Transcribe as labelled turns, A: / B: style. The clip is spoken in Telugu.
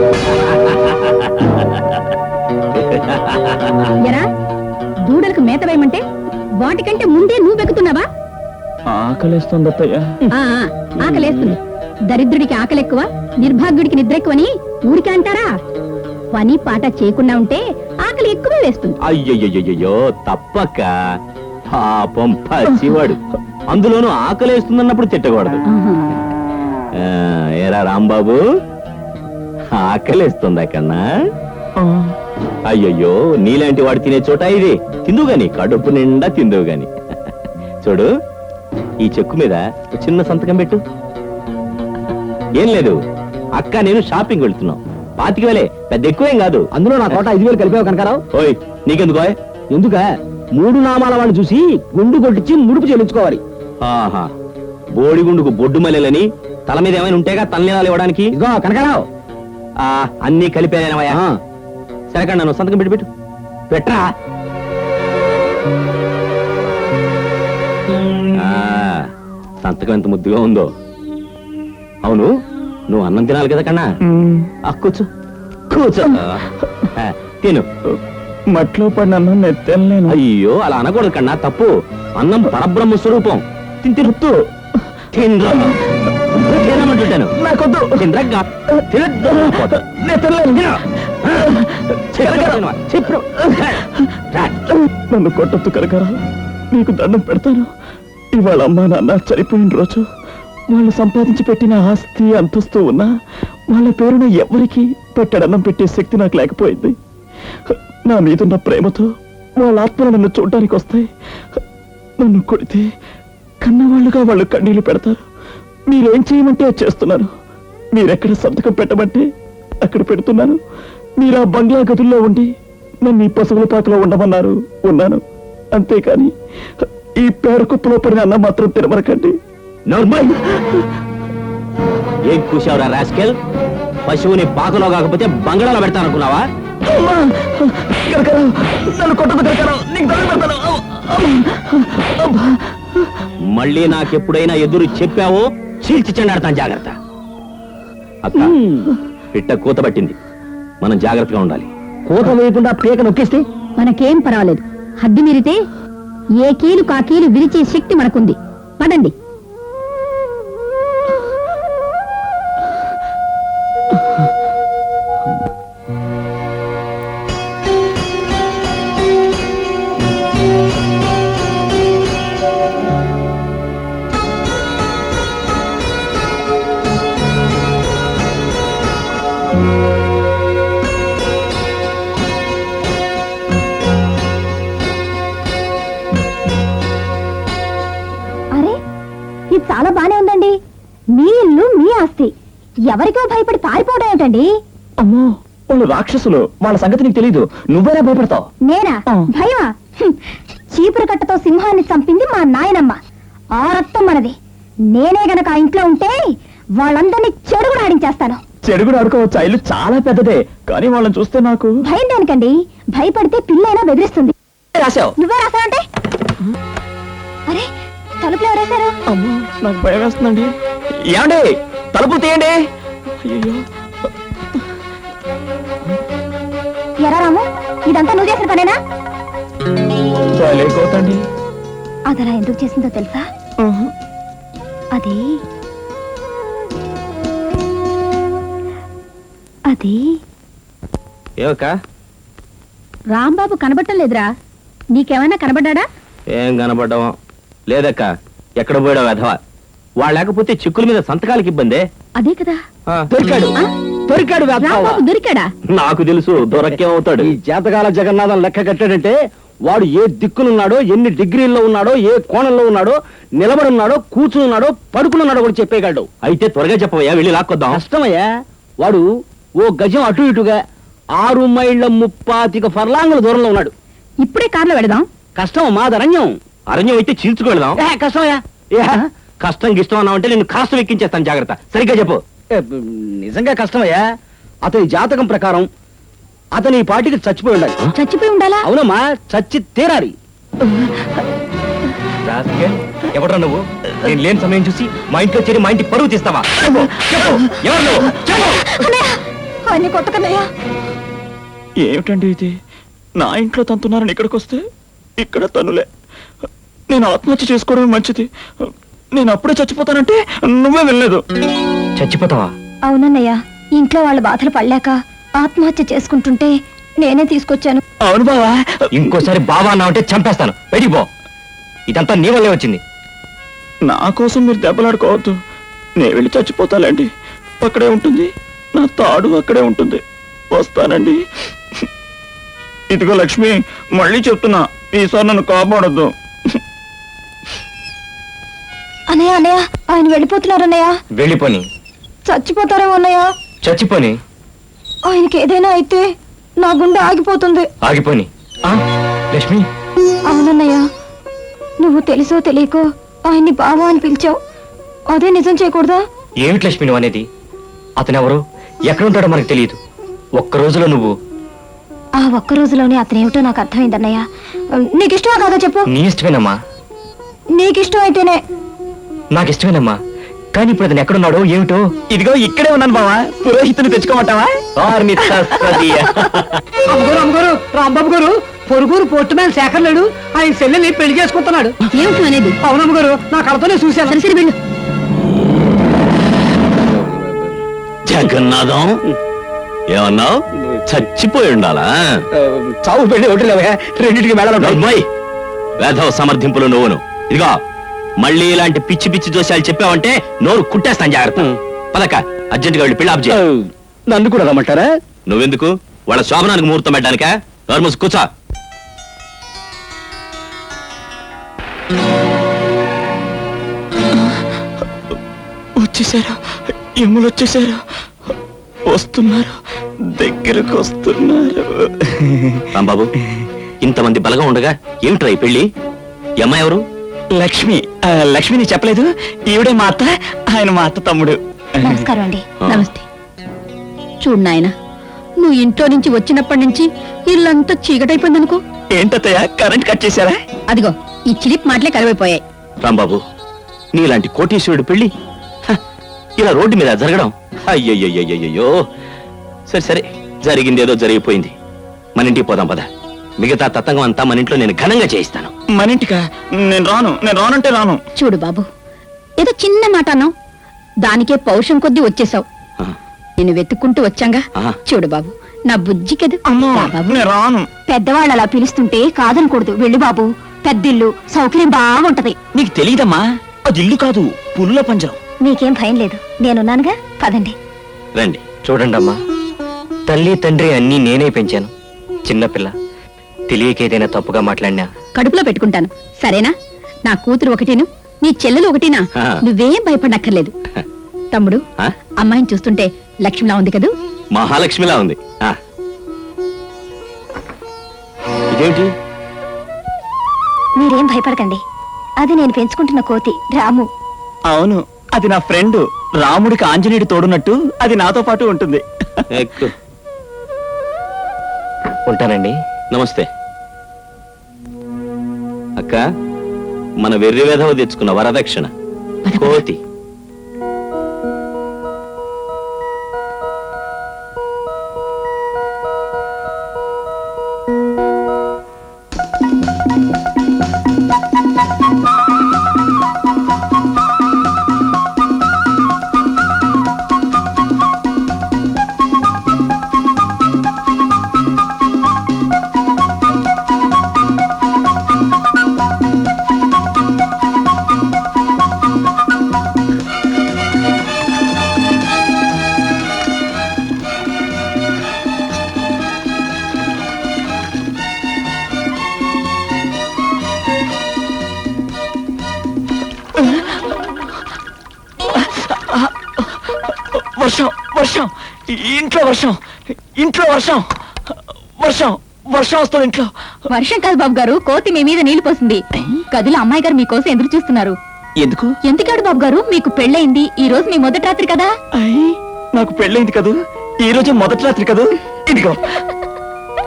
A: ఎరా దూడలకు మేత వేయమంటే వాటికంటే ముందే నువ్వు వెక్కుతున్నావా?
B: ఆకలేస్తుంది అత్తయ్య.
A: ఆకలేస్తుంది. దరిద్రుడికి ఆకలి ఎక్కువ, నిర్భాగ్యుడికి నిద్ర ఎక్కువని ఊరికే అంటారా? పని పాట చేయకుండా ఉంటే ఆకలి ఎక్కువ వేస్తుంది.
C: అయ్యయ్యో తప్పక, పాపం పసివాడు, అందులోనూ ఆకలేస్తుందన్నప్పుడు తిట్టకూడదు. ఏరా రాంబాబు, ఆకలేస్తుందా కన్నా? అయ్యయ్యో, నీలాంటి వాడు తినే చోట ఇది. తిందువు గాని, కడుపు నిండా తిందువు గాని. చూడు, ఈ చెక్కు మీద చిన్న సంతకం పెట్టు. ఏం లేదు, అక్క నేను షాపింగ్ వెళ్తున్నాం. 25,000, పెద్ద ఎక్కువేం కాదు.
B: అందులో నా కోట 5,000 కలిపావు కనకారావు.
C: ఓయ్, నీకెందుకో?
B: ఎందుక 3 నామాల వాడిని చూసి గుండు కొట్టించి ముడుపు చెల్లించుకోవాలి.
C: ఆహా, బోడిగుండుకు బొడ్డు మల్లెలని తల మీద ఏమైనా ఉంటేగా తలనీలాలు ఇవ్వడానికి.
B: ఇదిగో కనకారావు,
C: అన్ని కలిపేదేనవయ్యా. సరే కన్నా, నువ్వు సంతకం పెట్టు. పెట్టరా. సంతకం ఎంత ముద్దుగా ఉందో. అవును, నువ్వు అన్నం తినాలి కదా కన్నా. కూర్చో కూర్చో, తిను.
B: మట్లో పడిన అన్నం నేను తినలేను.
C: అయ్యో, అలా అనకూడదు కన్నా, తప్పు. అన్నం పరబ్రహ్మ స్వరూపం. తింతిరుత్తు తినమంటుంటాను.
B: నాకొద్దు. నన్ను కొట్టొద్దు కనకారా, నీకు దండం పెడతాను. ఇవాళ అమ్మా నాన్న చనిపోయిన రోజు వాళ్ళు సంపాదించి పెట్టిన ఆస్తి అంతస్తు ఉన్నా వాళ్ళ పేరున ఎవరికి పెట్టడన్నం పెట్టే శక్తి నాకు లేకపోయింది. నా మీదున్న ప్రేమతో వాళ్ళ ఆత్మలు నన్ను చూడ్డానికి వస్తాయి. నన్ను కొడితే కన్నవాళ్ళుగా వాళ్ళు కన్నీళ్లు పెడతారు. మీరేం చేయమంటే చేస్తున్నాను. మీరెక్కడ సంతకం పెట్టమంటే అక్కడ పెడుతున్నాను. మీరు ఆ బంగ్లా గదుల్లో ఉండి నన్ను ఈ పశువుల పాకలో ఉండమన్నారు, ఉన్నాను. అంతేకాని ఈ పేరుకుప్పలో పడిన అన్నం మాత్రం తినమనకండి.
C: ఏం కూసావురా రాస్కెల్? పశువుని పాకలో కాకపోతే బంగాళాలో పెడతాననుకున్నావా? మళ్ళీ నాకెప్పుడైనా ఎదురు చెప్పావో చీల్చి చెండాడతాను, జాగ్రత్త. అక్క, పిట్ట కూత పట్టింది, మనం జాగ్రత్తగా ఉండాలి.
B: కూత వేయకుండా పీక నొక్కిస్తే
A: మనకేం పర్వాలేదు. హద్దు మీరితే ఏ కీలు కా కీలు విరిచే శక్తి మనకుంది. పడండి. చాలా బానే ఉందండి. మీ ఇల్లు, మీ ఆస్తి, ఎవరికో భయపడి పారిపోవడం ఏమిటండి?
B: అమ్మో, వాళ్ళు రాక్షసులు. వాళ్ళ సంగతి నీకు తెలీదు. నువ్వేనా భయపడతావు?
A: నేనా? భయమా? చీపురు కట్టతో సింహాన్ని చంపింది మా నాయనమ్మ. ఆ రక్తం మనది. నేనే గనక ఆ ఇంట్లో ఉంటే వాళ్ళందరినీ చెడుగుడు ఆడించేస్తాను.
B: చెడుగుడు ఆడుకోవచ్చు. ఆ ఇల్లు చాలా పెద్దదే, కానీ వాళ్ళని చూస్తే నాకు
A: భయం దానికండి. భయపడితే పిల్లైనా బెదిరిస్తుంది.
B: రాశావు?
A: నువ్వే రాసావంటే? అరే, తలుపులు ఎవరేశారు?
B: అమ్మో, నాకు భయం వేస్తుందండి. ఏమండి, తలుపులు తీయండి. అయ్యో,
A: ఎరా రాము, ఇదంతా నువ్వు చేసిన పనేనా?
B: లేకోతండి.
A: అదలా ఎందుకు చేసిందో తెలుసా? అది అది
C: ఏవక్క,
A: రాంబాబు కనబడటం లేదురా. నీకేమైనా కనబడ్డా?
C: ఏం కనబడ్డావా? లేదక్క, ఎక్కడ పోయాడో వెధవా. వాళ్ళు లేకపోతే చిక్కుల మీద సంతకాలకి ఇబ్బందే.
A: అదే కదా.
B: దొరికాడు, దొరికాడు.
A: రాంబాబు దొరికాడా?
C: నాకు తెలుసు, దొరకేమవుతాడు.
B: ఈ జాతకాల జగన్నాథం లెక్క కట్టాడంటే వాడు ఏ దిక్కులున్నాడో, ఎన్ని డిగ్రీల్లో ఉన్నాడో, ఏ కోణంలో ఉన్నాడో, నిలబడున్నాడో, కూర్చున్నాడో, పడుకున్నాడో కూడా చెప్పేగాడు.
C: అయితే త్వరగా చెప్పవయ్యా, వెళ్ళి లాక్కొద్దాం.
B: కష్టమయ్యా. వాడు ఓ గజం అటు ఇటుగా 6 మైళ్ళ 35 ఫర్లాంగుల దూరంలో ఉన్నాడు.
A: ఇప్పుడే కార్లో వెళదాం.
B: కష్టం, మాదరణ్యం.
C: అరణ్యం అయితే చీల్చుకెళ్దాం.
B: కష్టమయ్యా.
C: కష్టం గిష్టం అన్నావంటే నేను కాస్త ఎక్కించేస్తాను, జాగ్రత్త. సరిగ్గా చెప్పు.
B: నిజంగా కష్టమయ్యా. అతని జాతకం ప్రకారం అతని ఈ పాటికి చచ్చిపోయి ఉండాలి.
A: చచ్చిపోయి ఉండాలా?
B: అవునమ్మా, చచ్చి తీరాలి.
C: ఎవడ్రా నువ్వు? నేను లేని సమయం చూసి మా ఇంట్లో చేరి మా ఇంటి పరువు తీస్తావా? ఎవరు నువ్వు?
A: ఆయన్ని కొట్టకనయ్యా.
B: ఏమిటండి ఇది? నా ఇంట్లో తంతున్నారని ఇక్కడికి వస్తే ఇక్కడ తనులే. నేను ఆత్మహత్య చేసుకోవడమే మంచిది. నేను అప్పుడే చచ్చిపోతానంటే నువ్వే వెళ్ళలేదు.
C: చచ్చిపోతావా?
A: అవునన్నయ్య, ఇంట్లో వాళ్ళ బాధలు పడలేక ఆత్మహత్య చేసుకుంటుంటే నేనే తీసుకొచ్చాను.
B: అవును బావా.
C: ఇంకోసారి బావా అన్నావంటే చంపేస్తాను. బయటికి పో. ఇదంతా నీ వల్లే వచ్చింది.
B: నా కోసం మీరు దెబ్బలాడుకోవద్దు. నేను వెళ్ళి చచ్చిపోతానండి. అక్కడే ఉంటుంది, నా తాడు అక్కడే ఉంటుంది. వస్తానండి. ఇదిగో లక్ష్మి, మళ్ళీ చెప్తున్నా, ఈసారి నన్ను కాపాడొద్దు.
A: అన్నయ్య అన్నయ్య, ఆయన వెళ్ళిపోతున్నారు అన్నయ్య.
C: వెళ్ళిపోని.
A: చచ్చిపోతారేమో అన్నయ్య.
C: చచ్చిపోని.
A: ఆయనకి ఏదైనా అయితే నా గుండె ఆగిపోతుంది.
C: ఆగిపోని. లక్ష్మి,
A: అవునన్నయ్య, నువ్వు తెలుసో తెలియకో ఆయన్ని బావా అని పిలిచావు. అదే నిజం చేయకూడదా?
C: ఏమిటి లక్ష్మి నువ్వు అనేది? అతనెవరో, ఎక్కడ ఉంటాడో మనకు తెలియదు. ఒక్క రోజులో నువ్వు
A: ఆ ఒక్క రోజులోనే అతనేమిటో నాకు అర్థమైందన్నయ్య. నీకు ఇష్టమా కాదా చెప్పు?
C: నీ ఇష్టమేనమ్మా.
A: నీకు ఇష్టం అయితేనే.
C: నాకు ఇష్టమేనమ్మా, కానీ ఇప్పుడు అతను ఎక్కడున్నాడో ఏమిటో.
B: ఇదిగో ఇక్కడే ఉన్నాను బావా. పురోహితుని తెచ్చుకోమంటావా?
D: అమ్మగారు అమ్మగారు, రాంబాబు గారు పొరుగురు పోర్టు మ్యాన్ శేఖర్ లేడు, ఆయన చెల్లెల్ని పెళ్లి చేసుకుంటున్నాడు.
A: ఏమిటి అనేది?
D: అవునమ్మగారు, నా కళతోనే చూశాను.
A: సరే వెళ్ళు.
C: జగన్నాథం, ఏమన్నావు? చచ్చిపోయి ఉండాలా?
D: చావు పెళ్లి ఒకటి లేవే, రెండింటికి మేళ.
C: వేధవ సమర్థింపులు నువ్వును. ఇదిగో మళ్ళీ ఇలాంటి పిచ్చి పిచ్చి దోషాలు చెప్పావంటే నోరు కుట్టేస్తాను. జాగ్రత్త. పదక, అర్జెంటుగా వెళ్ళి పెళ్లి ఆపు చేయి.
D: నన్ను కూడా రమ్మంటారా?
C: నువ్వెందుకు? వాళ్ళ శోభనానికి ముహూర్తం పెట్టడానికా? నోర్మూసి కూర్చో.
B: వచ్చేసారా? ఎమ్ములు వచ్చేసారా? వస్తున్నారు, దగ్గరకు వస్తున్నారు.
C: రాంబాబు, ఇంతమంది బలగా ఉండగా ఏమిట్రా ఈ పెళ్లి? ఈ అమ్మాయి ఎవరు?
B: లక్ష్మి. లక్ష్మిని చెప్పలేదు. ఈవిడే మా అత్త, ఆయన మా అత్త తమ్ముడు.
A: నమస్కారం అండి.
E: నమస్తే. చూడు నాయన, నువ్వు ఇంట్లో నుంచి వచ్చినప్పటి నుంచి ఇల్లంతా చీకటైపోయిందనుకో.
B: ఏంటత్తయ్య, కరెంట్ కట్ చేశారా?
E: అదిగో ఈ చిలిప్ మాటలే కరివైపోయాయి.
C: రాంబాబు, నీలాంటి కోటీశ్వరుడు పెళ్లి హ, ఇలా రోడ్డు మీద జరగడం, అయ్యయ్యో. సరే సరే, జరిగిందేదో జరిగిపోయింది. మన ఇంటికి పోదాం పద. మిగతా తతంగం అంతా మన ఇంట్లో నేను ఘనంగా చేయిస్తాను.
B: మన ఇంటికా? నేను రానంటే రాను.
E: చూడు బాబు, ఏదో చిన్న మాట అన్నావు, దానికే పౌరుషం కొద్దీ వచ్చేసావు.
C: ఆ,
E: నేను వెతుక్కుంటూ వచ్చాంగా.
C: ఆ.
E: చూడు బాబు, నా బుజ్జి కదూ.
B: అమ్మా,
E: రా బాబు.
B: నేను రాను.
A: పెద్దవాళ్ళు అలా పిలుస్తుంటే కాదనకూడదు. వెళ్ళు బాబు, పెద్దిల్లు, సౌకర్యం బాగుంటది.
B: నీకు తెలియదమ్మా, అది ఇల్లు కాదు, పుల్ల పంజరం.
A: మీకేం భయం లేదు, నేనున్నానుగా. పదండి.
C: రండి.
F: చూడండి అమ్మా, తల్లి తండ్రి అన్నీ నేనే పెంచాను. చిన్నపిల్ల తెలియకేదైనా తప్పుగా మాట్లాడినా
E: కడుపులో పెట్టుకుంటాను, సరేనా? నా కూతురు ఒకటేను, నీ చెల్లెలు ఒకటేనా?
C: ఆ.
E: నువ్వేం భయపడక్కర్లేదు. తమ్ముడు,
C: ఆ?
E: అమ్మాయిని చూస్తుంటే లక్ష్మిలా ఉంది కదూ.
C: మహాలక్ష్మిలా ఉంది. ఆ. ఇదేమిటి?
A: మీరేం భయపడకండి, అది నేను పెంచుకుంటున్న కోతి రాము.
B: అవును, అది నా ఫ్రెండ్. రాముడికి ఆంజనేయుడు తోడున్నట్టు అది నాతో పాటు ఉంటుంది.
C: ఎక్కు.
F: ఉంటానండి.
C: నమస్తే అక్క. మన వెర్రి వేధవ తెచ్చుకున్న వరదక్షిణ కోతి.
B: వర్షం, వర్షం, ఇంట్లో వర్షం, ఇంట్లో వర్షం, వర్షం, వర్షం వస్తుంది ఇంట్లో.
E: వర్షం కాదు బాబు గారు, కోతి మీ మీద నీళ్లు పోసింది. గదిలో అమ్మాయి గారు మీకోసం ఎదురు చూస్తున్నారు.
B: ఎందుకు?
E: ఎందుకాడు బాబు గారు, మీకు పెళ్ళయింది. ఈ రోజు మీ మొదటి రాత్రి కదా.
B: అయ్యి, నాకు పెళ్ళైంది కదూ, ఈ రోజు మొదటి రాత్రి కదూ. ఇదిగో